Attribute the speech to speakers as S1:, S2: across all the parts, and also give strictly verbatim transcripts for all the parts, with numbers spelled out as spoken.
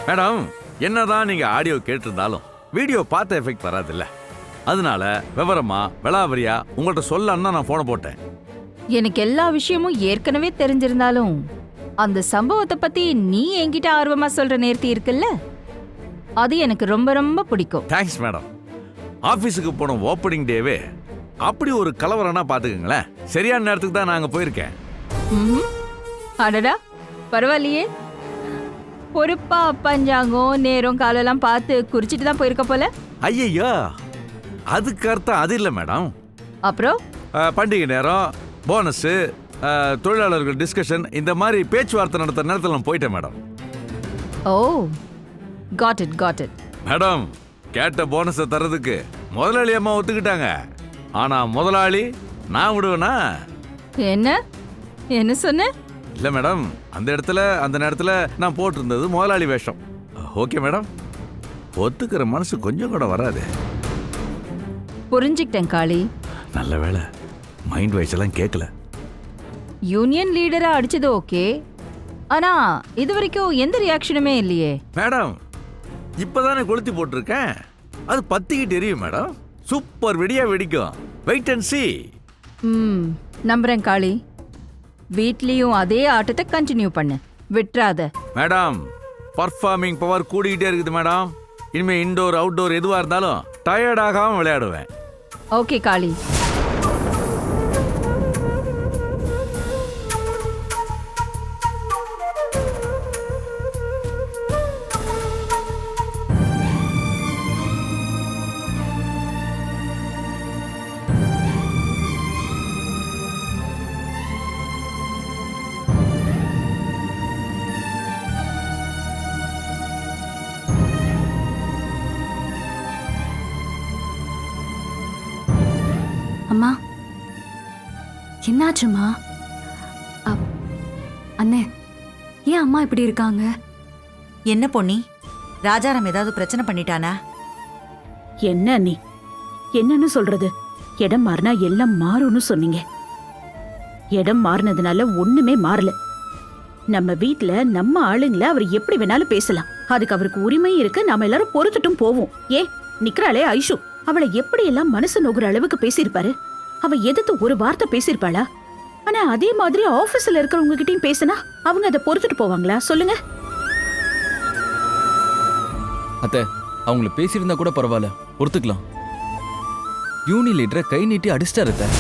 S1: Madam, என்னதான் நீங்க audio கேட்டிருந்தாலும் வீடியோ பார்த்த எஃபெக்ட் வராதுல்ல. அதனால விவரமா விளாவரியா உங்கள்கிட்ட சொல்லன்னா நான் போன போட்டேன்.
S2: எனக்கு எல்லா விஷயமும் ஏற்கனவே தெரிஞ்சிருந்தாலும் அந்த சம்பவத்தை பத்தி நீ என்கிட்ட ஆர்வமா சொல்ற நேர்த்தி இருக்குல்ல, அது எனக்கு ரொம்ப ரொம்ப பிடிக்கும்.
S1: Thanks madam. ஆபீஸுக்கு போன ஓப்பனிங் டேவே அப்படி ஒரு கலவரம்னா பாத்துக்கங்களேன். சரியான நேரத்துக்கு தான் நாங்க போயிருக்கேன்.
S2: அடடா, பரவாயில்லையே. பொறுப்பா பஞ்சாங்கம் நேரம் காலெல்லாம் பார்த்து குறிச்சிட்டு தான் போயிருக்க போல.
S1: ஐயையோ, அதுக்கு அர்த்தம் அது இல்லை மேடம்.
S2: அப்புறம்
S1: பண்டிகை நேரம், போனஸ், தொழிலாளர்கள் டிஸ்கஷன், இந்த மாதிரி பேச்சுவார்த்தை நடத்துற நேரத்தில் நான் போயிட்டேன் மேடம்.
S2: ஓ, got it got it.
S1: Madam, கேட்ட போனஸை தரதுக்கு முதலாளி அம்மா ஒத்துக்கிட்டாங்க. ஆனா முதலாளி நான் விடுவேனா?
S2: என்ன என்ன சொன்ன?
S1: இல்ல மேடம், அந்த இடத்துல அந்த நேரத்துல நான் போட்டிருந்தது முதலாளி வேஷம். ஓகே மேடம், ஒத்துக்கிற மனசு கொஞ்சம் கூட வராது.
S2: புரிஞ்சுக்கிட்டேன் காளி.
S1: நல்ல வேளை மைண்ட் வாய்ஸ் எல்லாம் கேட்கல.
S2: யூனியன் லீடரா அடிச்சது ஓகே, ஆனா இது வரைக்கும் எந்த ரியாக்ஷனுமே இல்லையே.
S1: மேடம், இப்பதானே கொளுத்தி போட்டிருக்கேன், அது பத்திக்கிட்டு எரியும் மேடம். சூப்பர் வெடியா வெடிக்கும். Wait and see.
S2: ம், நம்புறேன் காளி. வீட்லயும் அதே ஆட்டத்தை கண்டினியூ பண்ணு, விட்டுறாத.
S1: மேடம், பர்ஃபார்மிங் பவர் கூடிக்கிட்டே இருக்குது மேடம். இனிமே இன்டோர் அவுட்டோர் எதுவா இருந்தாலும் டயர்ட் ஆகாம விளையாடுவேன்.
S2: ஓகே காளி.
S3: அம்மா, என்னாச்சுமா? அண்ணே, ஏன் அம்மா இப்படி இருக்காங்க?
S4: என்ன பொன்னி, ராஜாராம் ஏதாவது பிரச்சனை பண்ணிட்டானா?
S5: என்ன நீ என்னன்னு சொல்றது? இடம் மாறினா எல்லாம் மாறும்னு சொன்னீங்க. இடம் மாறினதுனால ஒண்ணுமே மாறல. நம்ம வீட்டுல நம்ம ஆளுங்கள அவர் எப்படி வேணாலும் பேசலாம், அதுக்கு அவருக்கு உரிமை இருக்கு. நாம எல்லாரும் பொறுத்துட்டும் போவோம். ஏ நிக்கிறாளே ஐஷு, அவளை எப்படி எல்லாம் மனசு நோகுற அளவுக்கு பேசியிருப்பாரு. அவ எதிர்த்து ஒரு வார்த்தை பேசியிருப்பாளா? ஆனா அதே மாதிரி ஆபீஸ்ல இருக்கிறவங்க கிட்டயும் பேசினா அவங்க அதை பொறுத்துட்டு போவாங்களா சொல்லுங்க?
S6: அத்தை, அவங்கள பேசியிருந்தா கூட பரவாயில்ல, பொறுத்துக்கலாம். யூனி லீடரை கை நீட்டி அடிச்சிட்டாரு அத்தை.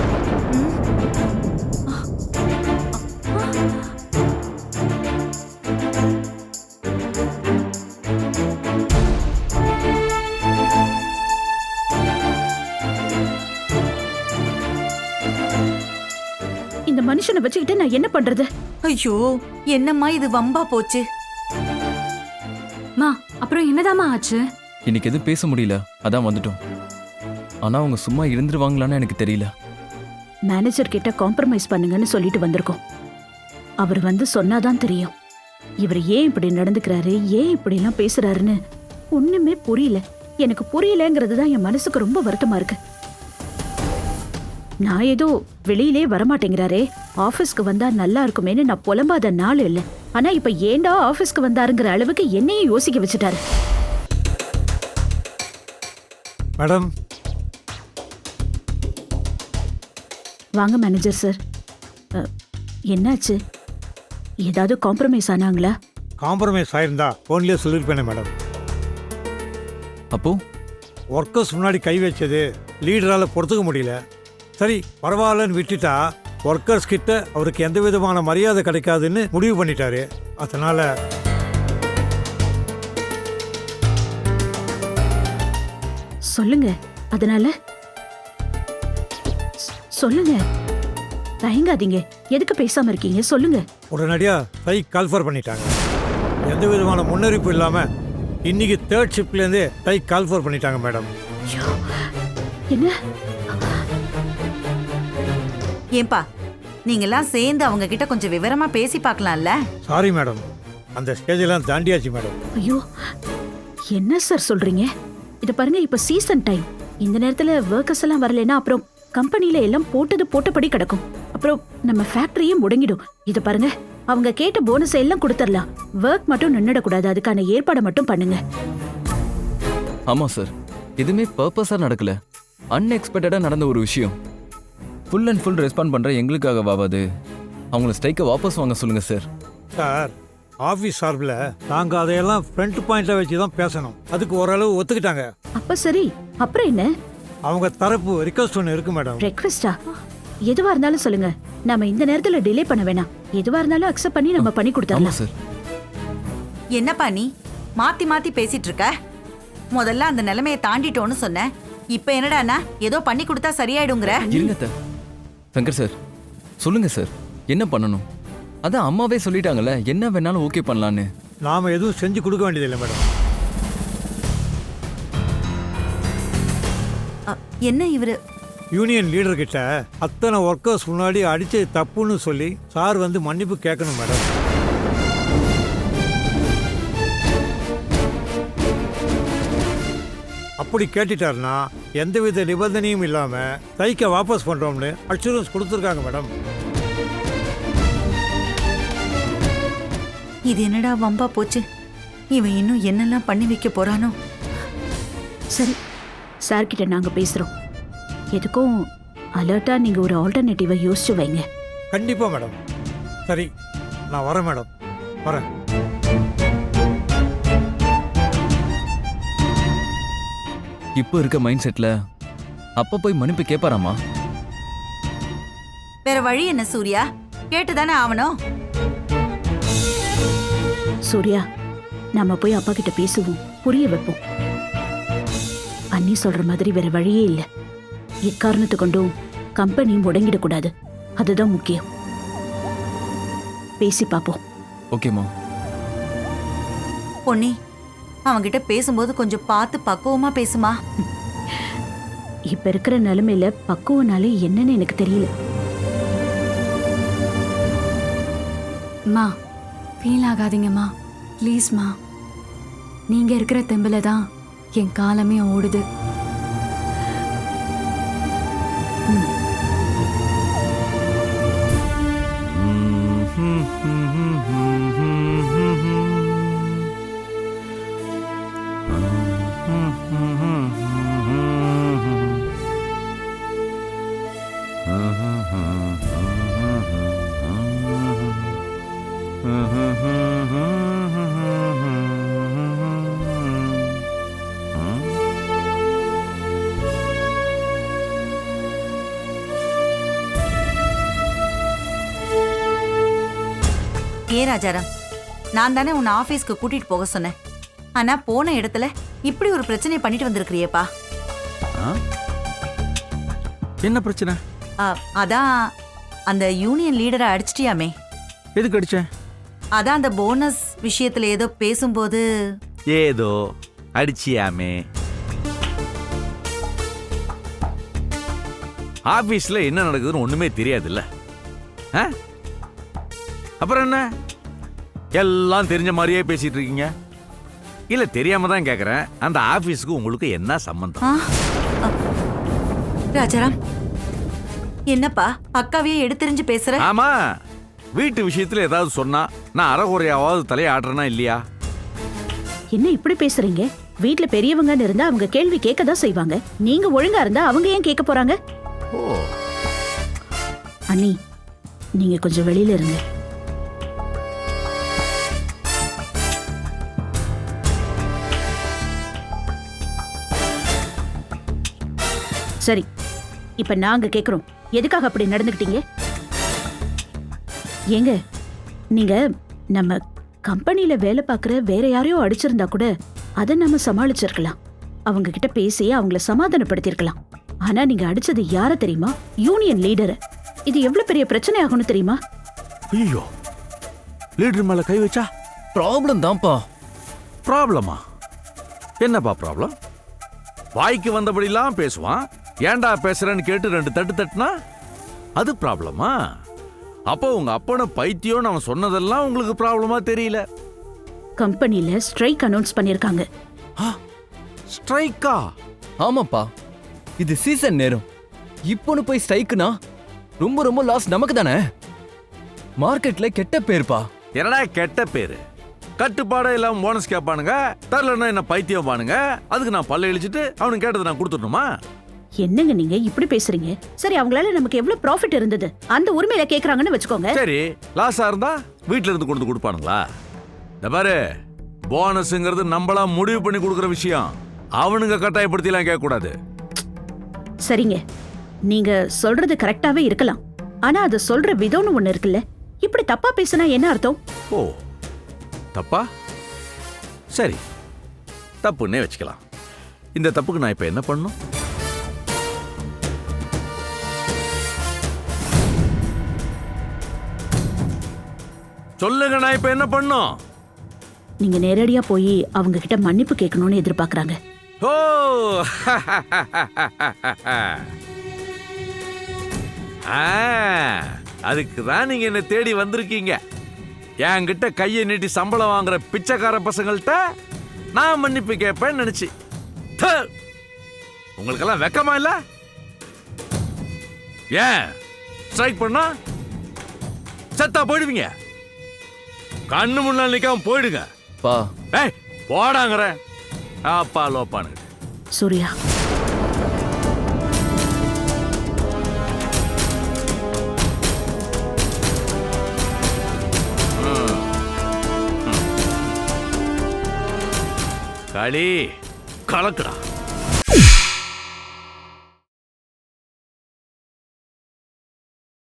S5: இந்த மனுஷனை வச்சுக்கிட்டு நான் என்ன பண்றது?
S4: ஐயோ, என்னம்மா இது வம்பா போச்சு.
S3: மா, அப்புறம் என்னதாம்மா ஆச்சு?
S6: இன்னைக்கு எதுவும் பேச முடியல, அதான் வந்துட்டோம். ஆனா அவங்க சும்மா இருந்துருவாங்களான்னு எனக்கு தெரியல.
S5: மேனேஜர் கிட்ட காம்ப்ரமைஸ் பண்ணுங்கன்னு சொல்லிட்டு வந்திருக்கோம். அவர் வந்து சொன்னாதான் தெரியும். இவர் ஏன் இப்படி நடந்துக்கிறாரு, ஏன் இப்படி எல்லாம் பேசுறாருன்னு ஒண்ணுமே புரியல. எனக்கு புரியலங்கிறது தான் என் மனசுக்கு ரொம்ப வருத்தமா இருக்கு. நான் ஏதோ வெளியிலே வரமாட்டேங்கிறாரே, ஆபீஸ்க்கு வந்தா நல்லா இருக்குமேன்னு நான் புலம்பாத நாள் இல்ல. ஆனா இப்ப ஏண்டா ஆபீஸ்க்கு வந்தாருங்கிற அளவுக்கு என்னையும் யோசிக்க வச்சுட்டாரு.
S7: மேடம்,
S5: வாங்க மேனேஜர் சார். என்னாச்சு? ஏதாவது காம்ப்ரமைஸ் ஆனாங்களா?
S7: காம்ப்ரமைஸ் ஆயிருந்தா போன்லயே சொல்லியிருப்பேனே மேடம்.
S6: அப்போ
S7: ஒர்க்கர்ஸ் முன்னாடி கை வச்சது லீடரால் பொறுத்துக்க முடியல. சரி பரவாயில்லன்னு விட்டுட்டா ஒர்க்கர்ஸ் கிட்ட அவருக்கு எந்த விதமான மரியாதை கிடைக்காதுன்னு முடிவு பண்ணிட்டாரு. அதனால
S5: சொல்லுங்க. அதனால சொல்லுங்க, தயங்காதீங்க. எதுக்கு பேசாம இருக்கீங்க? சொல்லுங்க.
S7: உடனடியா ஸ்ட்ரைக் கால்ஃபர் பண்ணிட்டாங்க. எந்த விதமான முன்னறிப்பு இல்லாம இன்னைக்கு தேர்ட் ஷிப்ட்லேருந்தே ஸ்ட்ரைக் கால்ஃபர் பண்ணிட்டாங்க மேடம்.
S5: என்ன?
S4: ஏன்பா, நீங்கெல்லாம் சேர்ந்து அவங்க கிட்ட கொஞ்சம் விவரமா பேசி பார்க்கலாம்ல?
S7: சாரி மேடம், அந்த ஸ்டேஜெல்லாம் தாண்டியாச்சு மேடம்.
S5: ஐயோ, என்ன சார் சொல்றீங்க? இத பாருங்க, இப்ப சீசன் டைம். இந்த நேரத்துல ஒர்க்கர்ஸ் எல்லாம் வரலன்னா அப்புறம் கம்பெனில எல்லாம் போட்டது போட்டபடி கிடக்கும். அப்புறம் நம்ம ஃபேக்டரியே முடங்கிடும். இத பாருங்க, அவங்க கேட்ட போனஸ் எல்லாம் கொடுத்துடலாம். ஒர்க் மட்டும் நின்னுடக்கூடாது. அதுக்கான ஏற்பாடை மட்டும் பண்ணுங்க.
S6: ஆமா சார், எதுவுமே பர்பஸா நடக்கல, அன்எக்ஸ்பெக்டடா நடந்த ஒரு விஷயம். ஃபுல் அண்ட் ஃபுல் ரெஸ்பாண்ட் பண்ற எங்களுக்காகவாது அவங்கள ஸ்ட்ரைக்கை வாபஸ் வாங்க சொல்லுங்க சார்.
S7: சார், ஆஃபீஸ் சார்பில் நாங்கள் அதையெல்லாம் ஃப்ரண்ட் பாயிண்ட்டை வச்சு தான் பேசணும். அதுக்கு ஓரளவு ஒத்துக்கிட்டாங்க.
S5: அப்ப சரி, அப்புறம் என்ன?
S7: அவங்க தரப்பு ரிக்வஸ்ட் ஒன்று இருக்கு மேடம்.
S5: ரெக்வெஸ்டா? எதுவா இருந்தாலும் சொல்லுங்க. நம்ம இந்த நேரத்துல டிலே பண்ண வேணாம். எதுவா இருந்தாலும் அக்செப்ட் பண்ணி நம்ம பண்ணி
S6: ஆமா
S5: கொடுத்துடலாம்.
S6: சார்.
S4: என்னப்பா நீ மாத்தி மாத்தி பேசிட்டு இருக்க? முதல்ல அந்த நிலைமையை தாண்டிட்டோன்னு சொன்னேன். இப்ப என்னடானா ஏதோ பண்ணி கொடுத்தா சரியாயிடுங்கிற.
S6: இருங்க அத்தை. சங்கர் சார், சொல்லுங்க சார், என்ன பண்ணணும்? அதான் அம்மாவே சொல்லிட்டாங்கல்ல, என்ன வேணாலும் ஓகே பண்ணலான்னு.
S7: நாம் எதுவும் செஞ்சு கொடுக்க வேண்டியதில்லை மேடம்.
S4: அ, என்ன இவரு
S7: யூனியன் லீடர் கிட்ட அத்தனை ஒர்க்கர்ஸ் முன்னாடி அடிச்சு தப்புன்னு சொல்லி சார் வந்து மன்னிப்பு கேட்கணும் மேடம். அப்படி கேட்டுட்டாருன்னா எந்தவித நிபந்தனையும் இல்லாம தைக்க வாபஸ் பண்றோம்னு அஷூரன்ஸ் கொடுத்துருக்காங்க மேடம்.
S4: இது என்னடா வம்பா போச்சு? இவன் இன்னும் என்னெல்லாம் பண்ணி வைக்க போறானோ?
S5: சரி, சார் கிட்ட நாங்க பேசுறோம். எதுக்கும் அலர்ட்டா நீங்க ஒரு ஆல்டர்னேட்டிவை யோசிச்சு வைங்க.
S7: கண்டிப்பா மேடம். சரி, நான் வரேன் மேடம், வரேன்.
S6: இப்போ இருக்க மைண்ட் செட்ல அப்பா போய் மன்னிப்பு கேட்பாராமா?
S4: வேற வழி என்ன சூர்யா? கேட்டுதானே ஆவணும்.
S5: சூர்யா, நாம போய் அப்பா கிட்ட பேசுவோம், புரிய வைப்போம். அண்ணி சொல்ற மாதிரி வேற வழியே இல்ல. எக்காரணத்து கொண்டும் கம்பெனி முடங்கிடக்கூடாது. அதுதான் முக்கியம். பேசி பாப்போம்.
S6: ஓகேமா.
S4: பொன்னி, அவன்கிட்ட பேசும்போது கொஞ்சம் பார்த்து பக்குவமா பேசுமா.
S5: இப்ப இருக்கிற நிலைமையில பக்குவனாலே என்னன்னு எனக்கு தெரியல.
S3: மா, ஃபீல் ஆகாதீங்கம்மா, ப்ளீஸ்மா. நீங்க இருக்கிற தெம்புல தான் என் காலமே ஓடுது.
S4: ஏ ராஜாராம், நான் தானே உன்னை ஆபீஸ்க்கு கூட்டிட்டு போக சொன்னேன். ஆனா போன இடத்துல இப்படி ஒரு பிரச்சனை பண்ணிட்டு வந்திருக்கிறியேப்பா.
S1: ஆ? என்ன பிரச்சனை?
S4: அ, அதான் அந்த யூனியன் லீடரை அடிச்சிட்டியாமே.
S1: எதுக்கு அடிச்சேன்?
S4: அதான் அந்த போனஸ் விஷயத்துல ஏதோ பேசும்போது.
S1: ஏதோ அடிச்சியாமே. ஆபீஸ்ல என்ன நடக்குதுன்னு ஒண்ணுமே தெரியாதுல்ல. ஆ? அப்புறம் என்ன எல்லாம் தெரிஞ்ச மாதிரியே பேசிட்டு இருக்கீங்க? இல்ல தெரியாம தான் கேக்குறேன். அந்த ஆபீஸ்க்கு உங்களுக்கு என்ன சம்பந்தம்?
S4: ஆ, அ, ராஜாராம், என்னப்பா அக்காவையே எடுத்தெறிஞ்சு பேசுற?
S1: ஆமா, வீட்டு விஷயத்துல ஏதாவது சொன்னா நான் அறகுறையாவது தலையாடுறேனா இல்லையா?
S5: என்ன இப்படி பேசுறீங்க? வீட்ல பெரியவங்கன்னு இருந்தா அவங்க கேள்வி கேட்க தான் செய்வாங்க. நீங்க ஒழுங்கா இருந்தா அவங்க ஏன் கேட்க போறாங்க?
S1: ஓ,
S5: அண்ணி, நீங்க கொஞ்சம் வெளியில இருங்க. சரி, இப்ப நாங்க கேக்குறோம், எதுக்காக அப்படி நடந்துக்கிட்டீங்க? ஏங்க, நீங்க நம்ம கம்பெனில வேலை பார்க்குற வேற யாரையோ அடிச்சிருந்தா கூட அதை நம்ம சமாளிச்சிருக்கலாம். அவங்க கிட்ட பேசி அவங்கள சமாதானப்படுத்திருக்கலாம். ஆனா நீங்க அடிச்சது யார தெரியுமா? யூனியன் லீடரை. இது எவ்வளவு பெரிய பிரச்சனை ஆகும்னு தெரியுமா?
S1: ஐயோ, லீடர் மேல கை வச்சா
S6: ப்ராப்ளம் தான்ப்பா.
S1: ப்ராப்ளமா? என்னப்பா ப்ராப்ளம்? வாய்க்கு வந்தபடிலாம் பேசுவான். ஏன்டா பேசுறேன்னு கேட்டு ரெண்டு தட்டு தட்டுனா அது ப்ராப்ளமா? அப்போ உங்க அப்பனை பைத்தியம் அவன் சொன்னதெல்லாம் உங்களுக்கு ப்ராப்ளமா தெரியல.
S5: கம்பெனில ஸ்ட்ரைக் அனௌன்ஸ் பண்ணிருக்காங்க.
S1: ஸ்ட்ரைக்கா?
S6: ஆமாப்பா, இது சீசன் நேரம். இப்போன்னு போய் ஸ்ட்ரைக்குனா ரொம்ப ரொம்ப லாஸ் நமக்கு தானே. மார்க்கெட்ல கெட்ட பேர்ப்பா.
S1: என்னடா கெட்ட பேரு? கட்டுப்பாடே இல்லாம போனஸ் கேட்பானுங்க, தரலன்னா என்ன பைத்தியம் பானுங்க. அதுக்கு நான் பல்ல இழிச்சிட்டு அவனுக்கு கேட்டதை நான் கொடுத்துடணுமா?
S5: என்னங்க நீங்க இப்படி பேசுறீங்க? சரி, அவங்களால நமக்கு எவ்வளவு ப்ராஃபிட் இருந்தது அந்த உரிமையில கேக்குறாங்கன்னு வச்சுக்கோங்க.
S1: சரி, லாஸா இருந்தா வீட்ல இருந்து கொண்டு கொடுப்பானுங்களா? இந்த பாரு, போனஸ்ங்கிறது நம்மளா முடிவு பண்ணி கொடுக்குற விஷயம். அவனுங்க கட்டாயப்படுத்தி எல்லாம் கேட்க கூடாது.
S5: சரிங்க, நீங்க சொல்றது கரெக்டாவே இருக்கலாம். ஆனா அது சொல்ற விதம்னு ஒண்ணு இருக்குல்ல. இப்படி தப்பா பேசினா என்ன அர்த்தம்?
S1: ஓ, தப்பா? சரி, தப்புன்னே வச்சுக்கலாம். இந்த தப்புக்கு நான் இப்ப என்ன பண்ணணும்? சொல்லுங்க, நான் இப்ப என்ன பண்ணணும்?
S5: நீங்க நேரடியா போய் அவங்க கிட்ட மன்னிப்பு கேட்கணும்னு எதிர்பார்க்கறாங்க.
S1: ஓ, அதுக்கு தான் நீங்க என்ன தேடி வந்திருக்கீங்க. என்கிட்ட கையை நீட்டி சம்பளம் வாங்குற பிச்சைக்கார பசங்கள்கிட்ட நான் மன்னிப்பு கேட்பேன்னு நினைச்சு. த, உங்களுக்கெல்லாம் வெக்கமா இல்ல? ஏன் ஸ்ட்ரைக் பண்ணா செத்தா போயிடுவீங்க. கண்ணு முன்னாள் நிக்காம போயிடுங்க.
S6: பா,
S1: ஏய், போடாங்கற அப்பா லோப்பானு.
S5: சூர்யா,
S1: களி கலக்குடா.